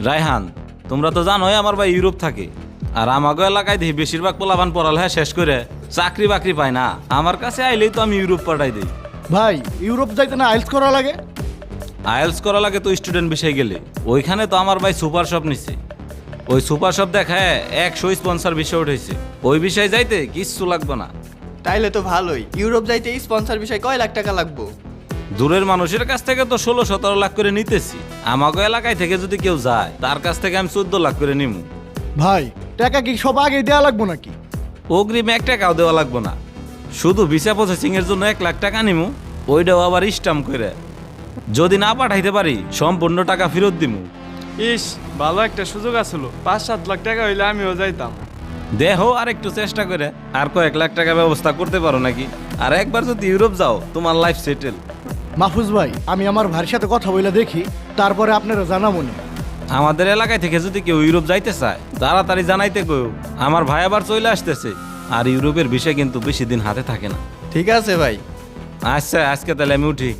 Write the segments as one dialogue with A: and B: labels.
A: রায়হান, তোমরা তো জানোই আমার ভাই ইউরোপ থাকে। আর আমাগো এলাকায় দেখি বেশিরভাগ পোলাপান পড়ালেখা শেষ করে চাকরি বাকরি পায় না। আমার কাছে আইলেই তো আমি ইউরোপ পাঠাই দিই।
B: ভাই ইউরোপ যাইতে না আইলস করা লাগে?
A: আইএলস করা লাগে তো স্টুডেন্ট বিষয়ে গেলে। ওইখানে তো আমার ভাই সুপার শপ নিছে। ওই সুপার শপ দেখায় 100 স্পন্সর বিষয় উঠেছে। ওই বিষয়ে যাইতে কিচ্ছু লাগবে না।
C: তাইলে তো ভালোই। ইউরোপ যাইতে স্পন্সর বিষয় কয় লাখ টাকা লাগবো?
A: দূরের মানুষের কাছ থেকে তো 16-17 লাখ করে নিতেছি। আমাগো এলাকায় থেকে যদি কেউ যায় তার কাছ থেকে আমি 14 লাখ করে নিমু।
B: ভাই টাকা কি সব আগে দেওয়া লাগবো নাকি?
A: অগ্রিম 1 টাকাও দেওয়া লাগবো না, শুধু ভিসা প্রসেসিং এর জন্য 1 লাখ টাকা নিমু। ওইটাও আবার স্টাম্প করে। যদি না পাঠাইতে পারি সম্পূর্ণ টাকা ফেরত দিমু।
D: ইস, ভালো একটা সুযোগ আসলো। 5-7 লাখ টাকা হইলে আমিও যাইতাম।
A: দেখো আর একটু চেষ্টা করে আর কয়েক লাখ টাকা ব্যবস্থা করতে পারো নাকি। আর একবার যদি ইউরোপ যাও তোমার লাইফ সেটেল।
B: মাহফুজ ভাই, আমি আমার ভাইয়ের সাথে কথা বলে দেখি, তারপরে আপনারা জানাবো না।
A: আমাদের এলাকায় থেকে যদি কেউ ইউরোপ যাইতে চায় তাড়াতাড়ি জানাইতে কইও। আমার ভাই আবার চলে আসতেছে। আর ইউরোপের বিষয় কিন্তু বেশি দিন হাতে থাকে না।
C: ঠিক আছে ভাই।
A: আচ্ছা, আজকে তাহলে আমি উঠি।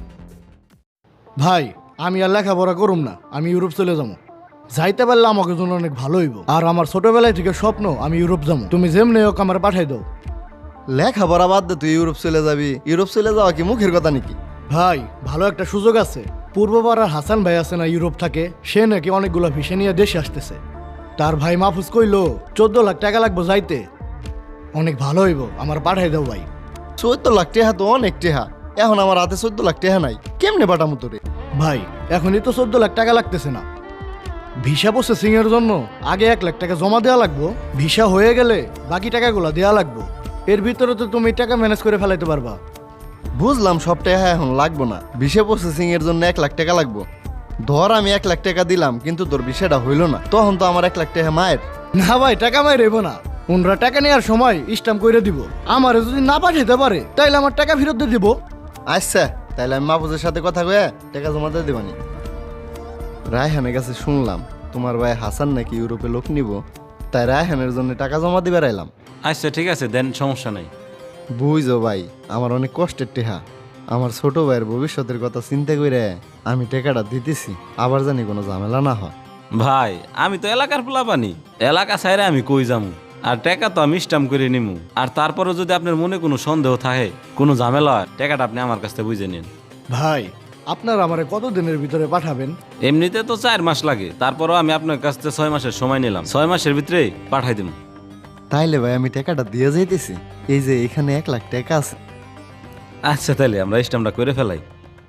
B: ভাই আমি আর লেখাপড়া করুম না, আমি ইউরোপ চলে যাবো। যাইতে পারলে আমাকে জন্য অনেক ভালো হইব। আর আমার ছোটবেলায় থেকে স্বপ্ন আমি ইউরোপ যাবো। তুমি যেমনি হোক আমার পাঠাই দাও।
E: লেখাপড়া বাদ দে, তুই ইউরোপ চলে যাবি। ইউরোপ চলে যাওয়া কি মুখের কথা নাকি?
B: ভাই ভালো একটা সুযোগ আছে। পূর্বপাড়ার হাসান ভাই আছে না, ইউরোপ থাকে। সে নাকি অনেকগুলো ভিসা নিয়ে দেশে আসতেছে। তার ভাই মাহফুজ কইলো 14 লাখ টাকা লাগবো যাইতে। অনেক ভালো হইব, আমার পাঠাই দাও ভাই।
E: 14 লাখ টাকা তো অনেক টাকা। এখন আমার হাতে 14 লাখ টাকা নাই, কেমনে পাঠামো তোরে?
B: ভাই এখনই তো 14 লাখ টাকা লাগতেছে না। ভিসা প্রসেসিং এর জন্য আগে 1 লাখ টাকা জমা দেওয়া লাগবো। ভিসা হয়ে গেলে বাকি টাকাগুলো দেওয়া লাগবো। এর ভিতরে তো তুমি টাকা ম্যানেজ করে ফেলাইতে পারবা।
E: বুঝলাম, সব টাকা এখন লাগবো না। ভিসা প্রসেসিং এর জন্য 1 লাখ টাকা লাগবো। ধর আমি 1 লাখ টাকা দিলাম, কিন্তু তোর বিষয়টা হইলো না, তখন তো আমার 1 লাখ টাকা মায়ের।
B: না ভাই, টাকা মাই রেবো না। ওনরা টাকা নেওয়ার সময় স্ট্যাম্প করে দিব। আমারে যদি না পাঠাইতে পারে তাইলে আমার টাকা ফেরত দিয়ে দিব।
E: আচ্ছা, তাইলে আমি মাহফুজের সাথে কথা কয়ে টাকা জমা দিয়ে দেবানি। রায়হানের কাছে শুনলাম তোমার ভাই হাসান নাকি ইউরোপে লোক নিব, তাই রায়হানের জন্য টাকা জমা দিবে রাইলাম।
A: আচ্ছা ঠিক আছে, দেন, সমস্যা নাই।
E: বুঝো ভাই, আমার অনেক কষ্টের টেহা। আমার ছোট ভাইয়ের ভবিষ্যতের কথা চিন্তা করে আমি টাকাটা দিতেছি, আবার জানি কোনো ঝামেলা না হয়।
A: ভাই আমি তো এলাকার পোলাপানি, এলাকা ছাইরে আমি কই যামু। আর টাকা তো আমি স্টাম্প করে নিমু। আর তারপরে যদি আপনার মনে কোনো সন্দেহ থাকে, কোনো ঝামেলা হয়, টাকাটা আপনি আমার কাছ থেকে বুঝে নিন।
B: ভাই আপনার আমারে কত দিনের ভিতরে পাঠাবেন?
A: এমনিতে তো 4 মাস লাগে, তারপরও আমি আপনার কাছ থেকে 6 মাসের সময় নিলাম। 6 মাসের ভিতরে পাঠাই দিব।
E: তাইলে ভাই আমি টাকাটা দিয়ে যাইতেছি। এই যে এখানে 1 লাখ টাকা আছে।
A: আচ্ছা তাহলে আমরা স্টাম্পটা করে ফেলাই।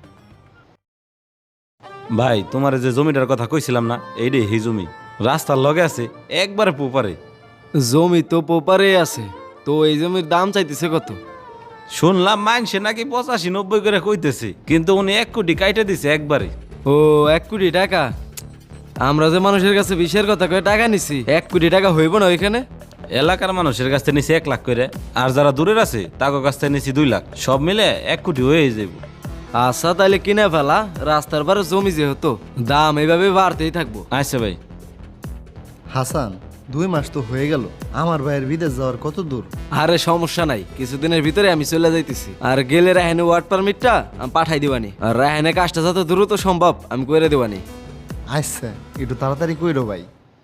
A: ভাই তোমার যে জমিটার কথা কইছিলাম না, এইটাই এই জমি। রাস্তার লগে আছে, একবারে পোপারে।
D: জমি তো পোপারে আছে, তো এই জমির দাম চাইতেছে কত?
A: শুনলাম মাইনসে নাকি 85-90 করে কইতেছে, কিন্তু উনি 1 কোটি কাইটে দিছে একবারে।
D: ও, 1 কোটি টাকা? আমরা যে মানুষের কাছে বিষের কথা কয়ে টাকা নিছি, 1 কোটি টাকা হইব না ওইখানে?
A: এলাকার মানুষের কাছ থেকে নিছি 1 লাখ করে, আর যারা দূরের আছে তাদের কাছ থেকে নিছি 2 লাখ। সব মিলে 1 কোটি হয়ে যাবে।
D: আচ্ছা তাইলে কিনে ফেলা। রাস্তার পারে জমি যেহেতু, দাম এইভাবে বাড়তেই থাকবো।
A: আচ্ছা ভাই।
E: হাসান, 2 মাস তো হয়ে গেল, আমার ভাইয়ের বিদেশ যাওয়ার কত দূর?
D: আরে সমস্যা নাই, কিছুদিনের ভিতরে আমি চলে যাইতেছি। আর গেলে রাহেনে ওয়ার্ড পারমিটটা আমি পাঠাই দিবানি। আর রাহেনে কাজটা যত দ্রুত সম্ভব আমি করে দেবানি।
E: আচ্ছা, একটু তাড়াতাড়ি কইরো ভাই।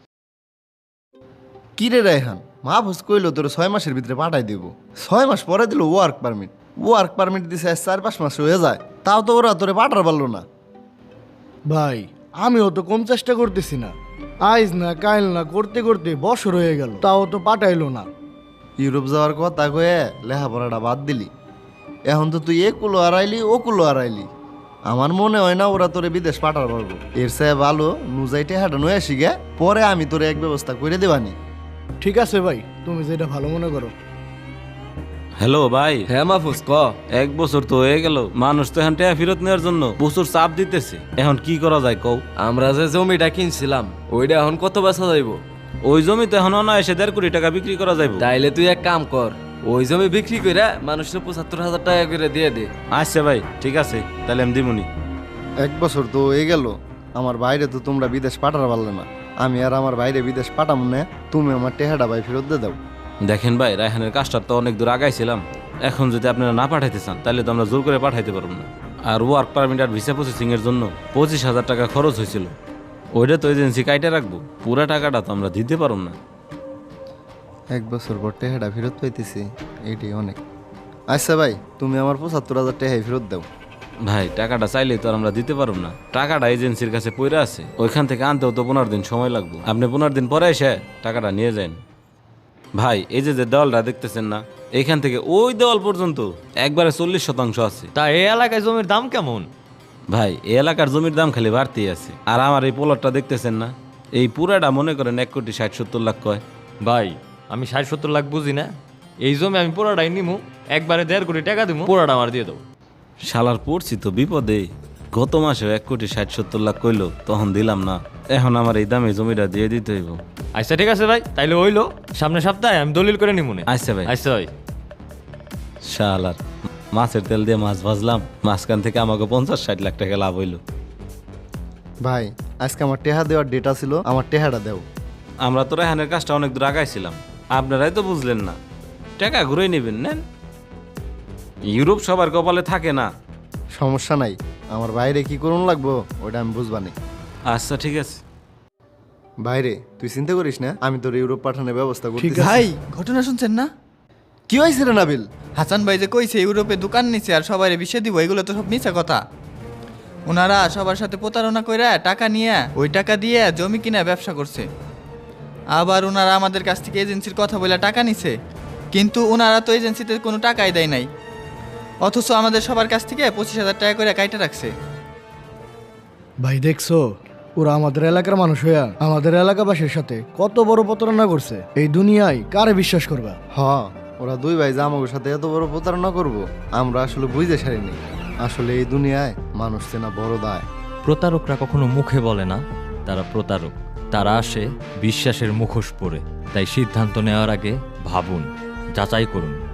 E: কি রে রায়হান, মাহফুজ কইলো তোর 6 মাসের ভিতরে পাঠাই দিব। 6 মাস পরে দিল ওয়ার্ক পারমিট। ওয়ার্ক পারমিট দিছে 4-5 মাস হয়ে যায়, তাও তো ওরা তোরে পাঠার পারলো না।
B: ভাই আমিও তো কম চেষ্টা করতেছি না। আইজ না কাইল না করতে করতে বছর হয়ে গেল, তাও তো পাঠাইলো না।
E: ইউরোপ যাওয়ার কথা কয়ে লেখাপড়াটা বাদ দিলি। এখন তো তুই একুলো হারাইলি, ওকুলো হারাইলি। আমার মনে হয় না ওরা তোরে বিদেশ পাঠার পারবো। এর চেয়ে ভালো নুজাইটে হাঁটা নয় আসি গে, পরে আমি তোরে এক ব্যবস্থা করে দেবানি।
B: ঠিক আছে ভাই, তুমি যেটা ভালো মনে করো।
A: হ্যালো ভাই।
D: হ্যাঁ মাহফুজ, ক।
A: 1 বছর তো হয়ে গেল, মানুষ তো এখন টাকা ফেরত নেওয়ার জন্য প্রচুর চাপ দিতেছে। এখন কি করা যায় কও?
D: আমরা যে জমিটা কিনছিলাম ওইটা এখন কত বেচা যাইব?
A: ওই জমি তো এখন অনায়াসে 1.5 কোটি টাকা বিক্রি করা যাইব।
D: তাইলে তুই এক কাম কর, ওই জমি বিক্রি করে মানুষের 75,000 টাকা করে দিয়ে দে।
A: আচ্ছা ভাই ঠিক আছে, তাহলে আমি দিমুনি।
E: 1 বছর তো হয়ে গেল, আমার বাইরে তো তোমরা বিদেশ পাঠার পারলে না। আমি আর আমার বাইরে বিদেশ পাঠাবো না, তুমি আমার টেহাটা ভাই ফেরত দিয়ে দাও।
A: দেখেন ভাই, রায়হানের কাজটা তো অনেক দূর আগাইছিলাম। এখন যদি আপনারা না পাঠাইতে চান তাহলে তো আমরা জোর করে পাঠাইতে পারবো না। আর ওয়ার্ক পারমিট আর ভিসা প্রসেসিং এর জন্য 25,000 টাকা খরচ হয়েছিল। ওইটা তো এজেন্সি কাইটে রাখবো, পুরা টাকাটা তো আমরা দিতে পারব না।
E: 1 বছর পর টেহাটা ফেরত পাইতেছি, এইটাই অনেক। আচ্ছা ভাই, তুমি আমার 75,000 টেহাই ফেরত দাও।
A: ভাই টাকাটা চাইলেই তো আর আমরা দিতে পারব না, টাকাটা এজেন্সির কাছে পড়ে আছে, ওইখান থেকে আনতেও তো 15 দিন সময় লাগবে। আপনি 15 দিন পরে এসে টাকাটা নিয়ে যান। ভাই এই যে দেওয়ালটা দেখতেছেন না, এইখান থেকে ওই দেওয়াল পর্যন্ত একবারে 40% আছে।
F: তা এই এলাকায় জমির দাম কেমন?
A: ভাই এই এলাকার জমির দাম খালি বাড়তেই আছে। আর আমার এই প্লটটা দেখতেছেন না, এই পুরাটা মনে করেন 1,60,70 লাখ কয়।
F: ভাই আমি 60-70 লাখ বুঝি না, এই জমি আমি পুরাটাই নিমু, একবারে 1.5 কোটি টাকা দিব, পুরাটা আমার দিয়ে দেবো।
A: শালার পড়ছি তো বিপদে, গত মাসে 1,60,70 লাখ কইলো, তখন দিলাম না, এখন আমার এই দামে জমিটা দিয়ে দিতে হইব।
F: আচ্ছা ঠিক আছে ভাই, তাইলে হইলো, সামনের সপ্তাহে আমি দলিল করে নিমুনে।
A: আচ্ছা ভাই।
F: আচ্ছা ভাই।
A: শালার মাছের তেল দিয়ে মাছ ভাজলাম, মাঝখান থেকে আমাকে 50-60 লাখ টাকা লাভ হইলো।
E: ভাই আজকে আমার টেহা দেওয়ার ডেটা ছিল, আমার টেহাটা দাও।
A: আমরা তো রেহানের কাজটা অনেক দূর আগাইছিলাম, আপনারাই তো বুঝলেন না। টাকা ঘুরে নেবেন, নেন। ইউরোপ সবার কপালে থাকে না।
E: সমস্যা নাই, আমার বাইরে কি করুন লাগবো ওটা আমি বুঝবানি।
A: আচ্ছা ঠিক আছে।
E: বাইরে তুই চিন্তা করিস না, আমি তোর ইউরোপ পাঠানোর ব্যবস্থা করছি।
C: ভাই ঘটনা শুনছেন না?
E: কি হয়েছে রে নাবিল?
C: হাসান ভাই যে কইছে ইউরোপে দোকান নিছে আর সবাই বিষে দিব, এগুলো তো সব মিছা কথা। ওনারা সবার সাথে প্রতারণা কইরা টাকা নিয়ে ওই টাকা দিয়ে জমি কিনা ব্যবসা করছে। আবার ওনারা আমাদের কাছ থেকে এজেন্সির কথা বলে টাকা নিছে, কিন্তু ওনারা তো এজেন্সিতে কোনো টাকাই দেয় নাই, অথচ আমাদের সবার কাছ থেকে 25,000 টাকা করে কাইটা রাখছে।
B: ভাই দেখছো, ওরা আমাদের এলাকার মানুষ হইয়া আমাদের এলাকাবাসীর সাথে কত বড় প্রতারণা করছে। এই দুনিয়ায় কারে বিশ্বাস করবা?
E: হ, ওরা দুই ভাই যে আমাদের সাথে এত বড় প্রতারণা করবো আমরা আসলে বুঝতে সারিনি। আসলে এই দুনিয়ায় মানুষ চেনা বড় দায়।
F: প্রতারকরা কখনো মুখে বলে না তারা প্রতারক, তারা আসে বিশ্বাসের মুখোশ পরে। তাই সিদ্ধান্ত নেওয়ার আগে ভাবুন, যাচাই করুন।